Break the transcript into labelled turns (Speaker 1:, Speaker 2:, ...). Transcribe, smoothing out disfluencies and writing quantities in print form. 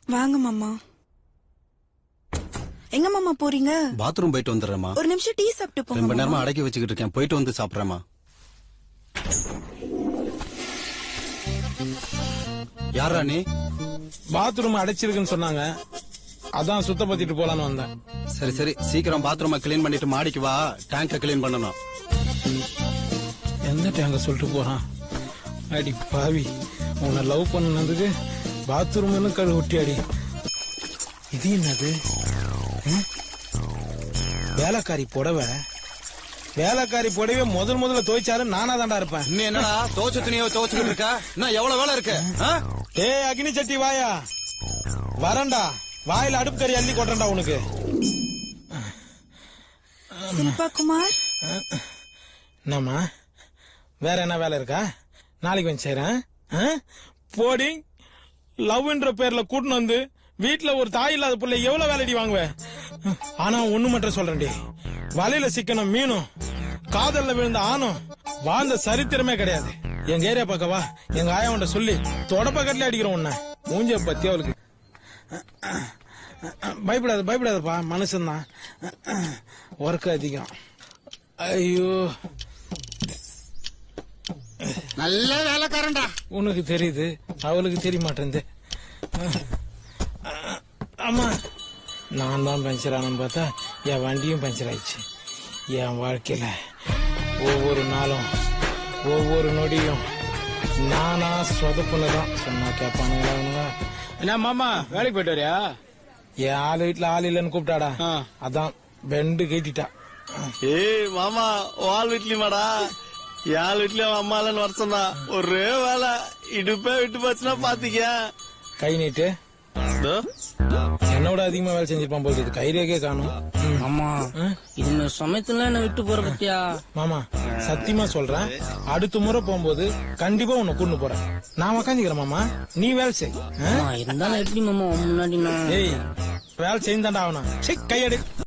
Speaker 1: வாங்க மாமா. எங்க மாமா போறீங்க?
Speaker 2: பாத்ரூம் போயிட்டு வந்துடுறேம்மா.
Speaker 1: ஒரு நிமிஷம் டீ சாப்பிட்டு போங்க.
Speaker 2: ரொம்ப நேரமா அடக்கி வச்சுக்கிட்டு இருக்கேன், போயிட்டு வந்து சாப்பிடுறேம்மா. யாரா நீ?
Speaker 3: பாத்ரூம் அடைச்சிருக்குன்னு சொன்னாங்க, அதான் சுத்தப்படுத்திட்டு போலான்னு வந்தேன்.
Speaker 2: சரி சரி, சீக்கிரம் பாத்ரூமை கிளீன் பண்ணிட்டு மாடிக்கு வா, டேங்க கிளீன் பண்ணணும்.
Speaker 3: எந்த டேங்க சொல்லிட்டு போறான்? அடி பாவி, உன்னை லவ் பண்ணதுக்கு பாத்ரூம்னு கழு ஒட்டி அடி. இது என்னது? வேலைக்காரி புடவை. வேலைக்காரி புடவை முதல்ல துவைச்சாலும் நானா தாண்டா இருப்பேன்.
Speaker 2: இன்னும் என்னடா துவச்ச துணியை துவச்சுக்கிட்டு இருக்க? இன்னும் எவ்வளவு வேலை இருக்கு?
Speaker 3: ஏய் அக்னி சட்டி வாயா, வரண்டா, வாயில அடுப்பு கறி அள்ளி கொட்டுறா உனக்கு.
Speaker 1: சில்பா குமார்,
Speaker 3: என்னம்மா வேற என்ன வேலை இருக்கா? நாளைக்கு வந்து செய்றேன். போடி, லவ்ன்ற பேர்ல கூட்டின்னு வந்து வீட்டுல ஒரு தாய் இல்லாத பிள்ளை எவ்வளவு வேலைடி வாங்குவேன். ஆனா ஒண்ணு மட்டும் சொல்றேன்டி, வலையில சிக்கணும் மீனும், காதல்ல விழுந்த ஆணும் வாழ்ந்த சரித்திரமே கிடையாது. எங்க ஏரியா பக்கவா, எங்க ஆயாவன்ட்ட சொல்லி தொடப்பக்கட்டில அடிக்கிறோம் உன்ன. மூஞ்ச பத்தி அவளுக்கு. பயப்படாதப்பா, மனுஷன்தான், ஒர்க் அதிகம். ஐயோ,
Speaker 2: நல்ல வேலைக்காரன்டா.
Speaker 3: உனக்கு தெரியுது, அவளுக்கு தெரிய மாட்டேங்குது. ஆமா, நான் தான் பஞ்சர் ஆனு பார்த்தா என் வண்டியும் பஞ்சர் ஆயிடுச்சு. என் வாழ்க்கையில ஒவ்வொரு நாளும் ஒவ்வொரு நொடியும் நானா சொதப்புனதான். சொன்னா கேப்பானுங்களா?
Speaker 4: என்ன மாமா வேலைக்கு போயிட்டு வரியா?
Speaker 3: என் ஆள் வீட்டுல ஆள் இல்லன்னு கூப்பிட்டாடா, அதான் பெண்டு கேட்டிட்டா.
Speaker 4: ஏய் மாமா, ஆள் வீட்லயுமாடா? என் வீட்லயும் அம்மா இல்லன்னு வருஷம் தான். ஒரே வேலை, இடுப்பே விட்டு போச்சுன்னா பாத்துக்க.
Speaker 3: கை நீட்டு. என்னோட அதிகமா வேலை செஞ்சிருப்பான் போது, கைரேகே காணும்.
Speaker 5: ஆமா, இந்த சமயத்துல என்ன விட்டு போற பத்தியா?
Speaker 3: மாமா சத்தியமா சொல்றேன், அடுத்த முறை போகும்போது கண்டிப்பா உன்னை கூண்டு போறேன். நான் உக்காந்துக்கிறேன் மாமா, நீ வேலை செய்.
Speaker 5: இருந்தாலும் எப்படி மாமா முன்னாடி நான்
Speaker 3: வேலை செய்தாண்டா ஆகணும். கையெடு.